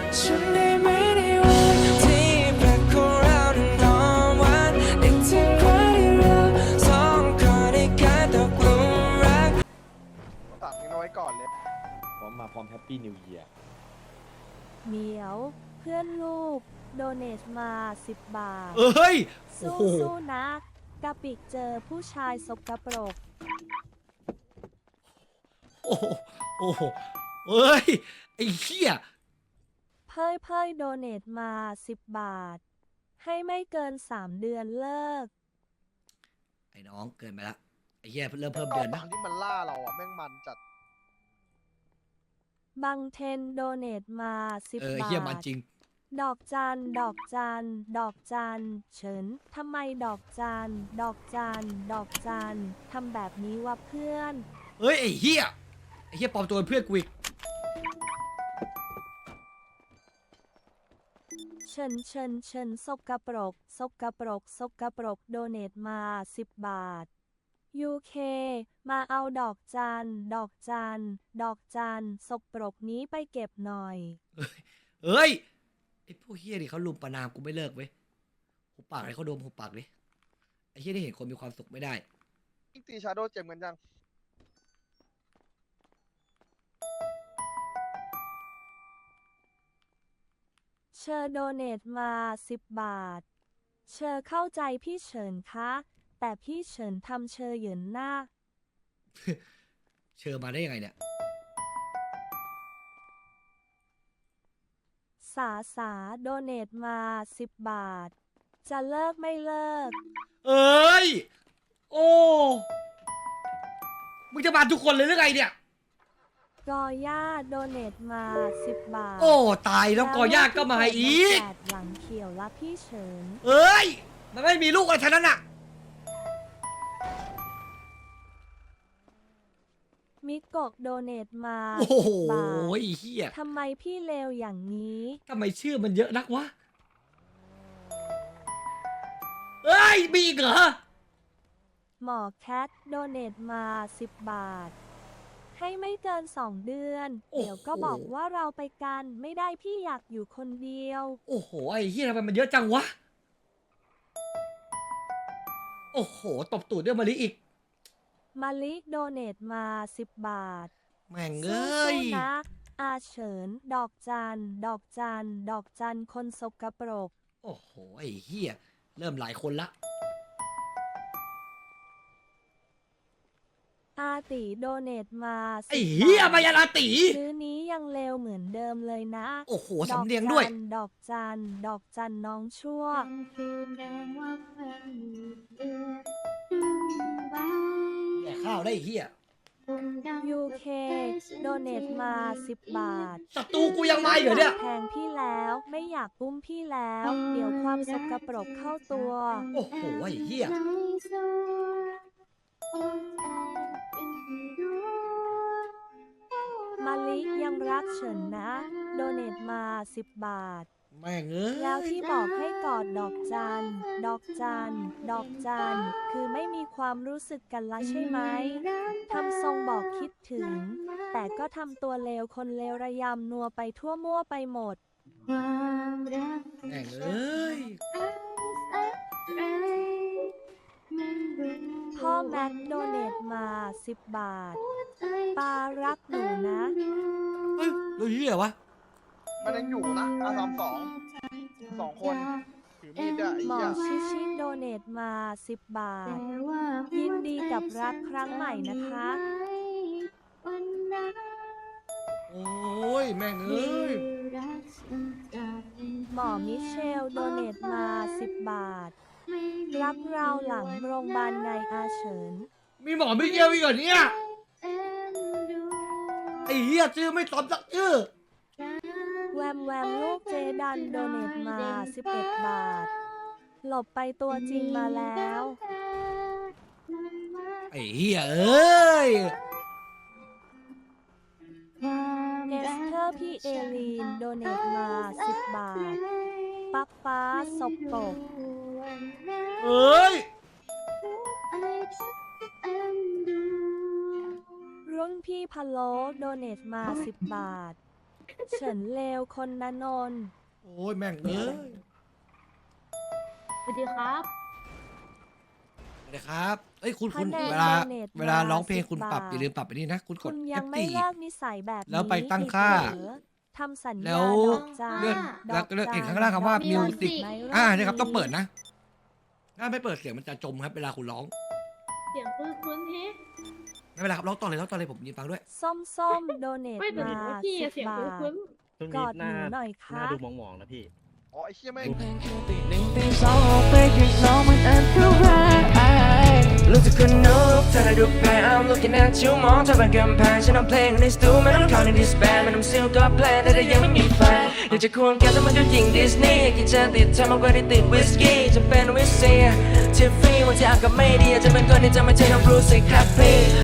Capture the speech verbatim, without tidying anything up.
ฉันได้ไหมในวันที่แปลกของเรานั้นหอมหวานนึกถึงวันที่เราสองคนได้กลายตกหลุมรักตัดกันไว้ก่อนเลยพร้อมมาพร้อมแฮปปี้นิวเยียร์เหมียวเพื่อนลูกโดเนทมาสิบบาทเอ้ยโอ้สู้โหสู้นะกะปิกเจอผู้ชายสกปรกโอ้โหโอ้โหเอ้ยไอ้เหี้ยเพ่ยเพ่ยโดเนทมาสิบบาท ให้ไม่เกินสามเดือนเลิกไอ้น้องเกินไปละไอ้เหี้ยเริ่มเพิ่มตอเดือน นหลันะงที่มันล่าเราอ่ะแม่งมันจัดบังเทนโดเนทมาสิบเออไอ้บาเหี้ยมันทจริงดอกจัน ดอกจัน ดอกจัน เฉินทำไมดอกจัน ดอกจัน ดอกจันทำแบบนี้วะเพื่อนเฮ้ยไอ้เหี้ยไอ้เหี้ยปลอมตัวเป็นเพื่อนกูอีกเชิญเชิญเชิญสกปรกสกปรกสกปรกโดเนทมาสิบบาท ยู เค มาเอาดอกจัน ดอกจัน ดอกจันสกปรกนี้ไปเก็บหน่อยเฮ้ยไอ้พวกเหี้ยนี่เขาลุมประนามกูไม่เลิกเว้ยหุบปากให้เขาดมหุบปากดิไอ้เหี้ยนี่เห็นคนมีความสุขไม่ได้ยิ่งตีชาโดว์เจ็บกันยังเชอร์โดเนทมาสิบบาท เชอร์เข้าใจพี่เฉินคะ แต่พี่เฉินทำเชอร์เหยินหน้าเชิญมาได้ยังไงเนี่ยสาสาโดเนทมาสิบบาท จะเลิกไม่เลิกเอ้ยโอ้มึงจะมาทุกคนเลยหรือไงเนี่ยกอย่าโดเนทมาสิบบาทโอ้ตายแล้วกอย่าก็มาอีกแปดหลังเขียวละพี่เฉินเอ้ยมันไม่มีลูกอะไรทั้งนั้นอ่ะมิโกะโดเนทมาโอ้โหบาทไอ้เหี้ยทำไมพี่เลวอย่างนี้ทำไมชื่อมันเยอะนักวะเอ้ยมีอีกเหรอหมอแคทโดเนทมาสิบบาท ให้ไม่เกินสองเดือนโอ้โหเดี๋ยวก็บอกว่าเราไปกันไม่ได้พี่อยากอยู่คนเดียวโอ้โหไอ้เหี้ยทำไมมันเยอะจังวะโอ้โหตบตูดด้วยมะลิอีกมาลิโดเนทมาสิบบาทแม่งเอสู้้ยๆนะ อาเฉิน ดอกจัน ดอกจัน ดอกจันคนสกปรกโอ้โหไอ้เหี้ยเริ่มหลายคนละอาติโดเนทมาไอ้สิบเหี้ยบาทมายาลาตีซื้อนี้ยังเลวเหมือนเดิมเลยนะโอ้โหสำเนียงด้วยดอกจัน ดอกจัน น้องชั่วแดกข้าวได้ไอ้เหี้ยยู เค โดเนทมาสิบบาทศัตรูกูยังมาอีกเหรอเนี่ยแทงพี่แล้วไม่อยากปุ้มพี่แล้ว เดี๋ยวความสกปรกเข้าตัวโอ้โหไอ้เหี้ยมาลิยังรักเฉินนะ โดเนทมาสิบบาทแม่งเอ้ยแล้วที่บอกให้กอดดอกจัน ดอกจัน ดอกจัน คือไม่มีความรู้สึกกันละใช่ไหม ทำทรงบอกคิดถึง แต่ก็ทำตัวเลวคนเลวระยำนัวไปทั่วมั่วไปหมดแม่งเอ้ยพ่อแม็กโดเนทมาสิบบาท ปารักหนูนะเฮ้ยเราเหี้ยวะมันยังอยู่นะอาสามสองสองคนถือมีดอะไอ้หมอเหี้ยชิชิโดเนทมาสิบบาท ยินดีกับรักครั้งใหม่นะคะโอ้ยแม่งเอ้ยหมอมิเชลโดเนทมาสิบบาท รับเราหลังโรงพยาบาลไงอาเฉินมีหมอไม่เกี่ยวอีกเหรอเนี่ยไอ้เหี้ยชื่อไม่ตอบสักชื่อแวมแวมลูกเจดันโดเนทมาสิบเอ็ดบาท หลบไปตัวจริงมาแล้วไอ้เหี้ยเอ้ยเอสเธอร์พี่เอลีนโดเนทมาสิบบาท ปักฟ้าศพปกเอ้ยรุ่นพี่พะโล้โดเนทมาสิบบาทเฉินเลวคนนนนท์โอ้ยแม่งเอ้ยสวัสดีครับสวัสดีครับเอ้ยคุณคุณคะแนนเวลาโดเนทเวลามาร้องเพลงคุณสิบบาทปรับอย่าลืมปรับไปนี่นะ คุณกคุดณยังไม่เอฟเลิกนิสัยแบบนี้แล้วไปตั้งค่าอีกเหรอทำสัญแล้ญาว ดอกจานเลื่อนดแล้วอกเลื่อนจานเห็นข้างล่างคำว่าดอก music ไหมอ่าใช่ครับต้องเปิดนะถ้าไม่เปิดเสียงมันจะจมครับเวลาคุณร้องเสียงคุ้นคุ้นๆเฮ้ไม่เป็นไรครับร้องต่อเลยร้องต่อเลยผมยืนฟังด้วยส้มส้มโดเนทไม่แต่มาเห็นว่าพี่สิอะบเสียงบาคุ้นทคุ้นช่วงกนี้อดหหน้านูหน่อยหค่ะน้าดูมองๆนะพี่อ๋อไอ้เชี่ยแม่งตีหนึ่งตีสองออกไปข้างนอกมันอันตรายรู้สึกคนนกเธอได้ดูแพ้ I'm looking at you มองเธอเป็นกำแพงฉันเอาเพลงในสตูไม่ต้องเข้าในดิสแบนมันทำซิลก็แพลนแต่ถ้ายังไม่มีแฟนอยากจะควงแกแต่มันก็ยิงดิสนีย์กินจะติดเธอมากกว่าที่ติดวิสกี้จะเป็นวิสเซียทิฟฟี่วันที่อากาศไม่ดีอาจจะเป็นคนที่จะไม่ใช่น้องรู้สึกแฮปปี้